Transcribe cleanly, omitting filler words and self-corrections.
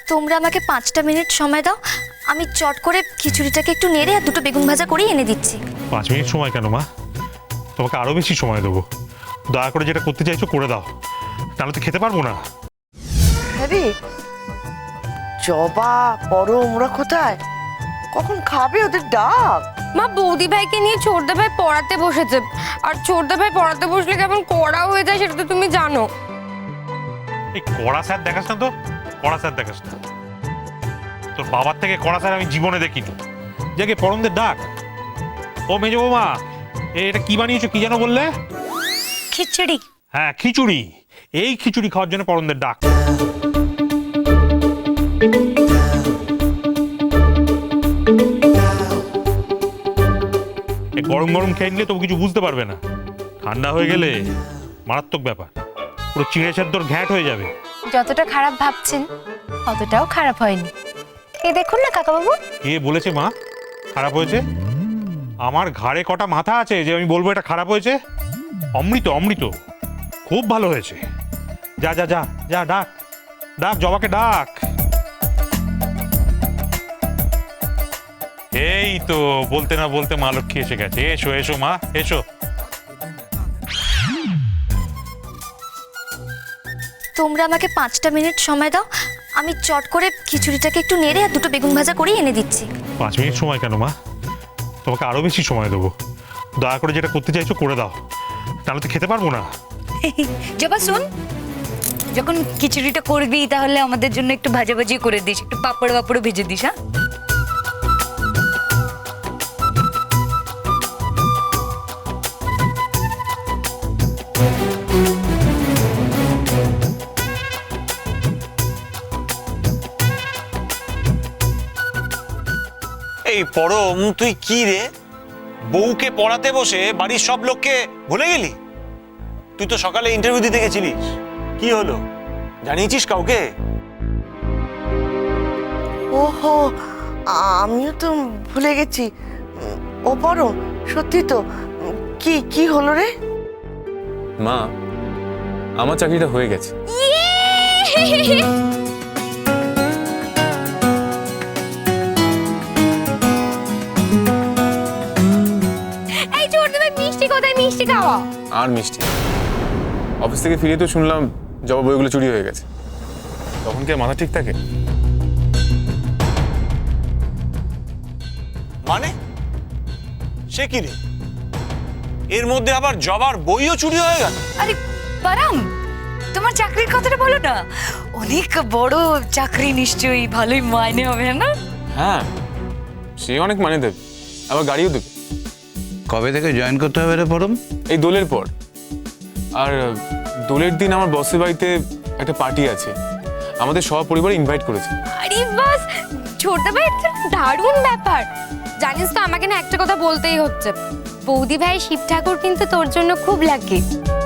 তোমরা আমাকে 5টা মিনিট সময় দাও, আমি চট করে খিচুড়িটাকে একটু নেড়ে আর দুটো বেগুন ভাজা করে এনে দিচ্ছি। 5 মিনিট সময় কেন মা? তোমাকে আরো বেশি সময় দেবো। দয়া করে যেটা করতে চাইছো করে দাও, তাহলে তো খেতে পারবো না। আরে জবা পরম ওরা কোথায়? কখন খাবে? ওদের ডাক। মা বৌদি ভাইকে নিয়ে ছোটদা ভাই পড়াতে বসেছে, আর ছোটদা ভাই পড়াতে বসলে কেমন কড়া হয়ে যায় সেটা তো তুমি জানো। এই কড়া স্যার দেখাস না তো, কড়া স্যার দেখাস না। তোর বাবার থেকে কড়া স্যার আমি জীবনে দেখিনি। যাকে পরমদের ডাক। ও মেজো বৌমা, এটা কি বানিয়েছো, কি যেন বললে? খিচুড়ি। হ্যাঁ খিচুড়ি। এই খিচুড়ি খাওয়ার জন্য পরমদের ডাক। গরম গরম খেয়ে নিলে তো কিছু বুঝতে পারবে না, ঠান্ডা হয়ে গেলে মারাত্মক ব্যাপার, পুরো চিড়ে সেদ্ধর ঘ্যাট হয়ে যাবে। যতটা খারাপ ভাবছেন অতটাও খারাপ হয়নি। এই দেখুন না কাকাবাবু। কে বলেছে মা খারাপ হয়েছে? আমার ঘাড়ে কটা মাথা আছে যে আমি বলবো এটা খারাপ হয়েছে? অমৃত অমৃত, খুব ভালো হয়েছে। যা যা যা যা, ডাক ডাক জবাকে ডাক। এই তো বলতে না বলতে মা লক্ষ্মী এসে গেছে। এসো এসো মা এসো। তোমরা আমাকে 5টা মিনিট সময় দাও, আমি চট করে খিচুড়িটাকে একটু নেড়ে আর দুটো বেগুন ভাজা করে এনে দিচ্ছি। 5 মিনিট সময় কেন মা? তোমাকে আরো বেশি সময় দেবো। দয়া করে যেটা করতে চাইছো করে দাও, তাহলে তো খেতে পারবো না। জবা শোন, যখন খিচুড়িটা করবি তাহলে আমাদের জন্য একটু ভাজাভাজি করে দিস, একটু পাপড় বাপড় ভেজে দিস। হ্যাঁ এই পরম, তুই কি রে, বউকে পড়াতে বসে বাড়ির সব লোককে ভুলে গেলি? তুই তো সকালে ইন্টারভিউ দিতে গেছিলিস, কি হলো জানিয়েছিস কাউকে? ওহো, আমিও তো ভুলে গেছি। ও পরম, সত্যি তো। কি কি হলো রে? মা, আমার চাকরিটা হয়ে গেছে। এই ছোটদা ভাই মিষ্টি কোথায়? মিষ্টি খাওয়া। আর মিষ্টি? অফিস থেকে ফিরে তো শুনলাম জবা বইগুলো চুরি হয়ে গেছে। তখন কি আর মাথা ঠিক থাকে? মানে সে কি রে, এর মধ্যে আবার জবার বইও চুরি হয়ে গেল? আরে পারাম, তোমার চাকরির কথাটা বলো না। অনেক বড় চাকরি, নিশ্চয়ই ভালোই মাইনে হবে না? হ্যাঁ, সে অনেক মানে দেবে, আবার গাড়িও দেবে। কবে থেকে জয়েন করতে হবে রে পরম? এই দোলের পর। আর দোলের দিন আমার বসের বাড়িতে একটা পার্টি আছে, আমাদের সব পরিবার ইনভাইট করেছে। আরে বাস, ছোটদা ভাই এটা দারুণ ব্যাপার। জানিস তো আমাকে না একটা কথা বলতেই হচ্ছে, বৌদি ভাই শিব ঠাকুর কিন্তু তোর জন্য খুব লাগে।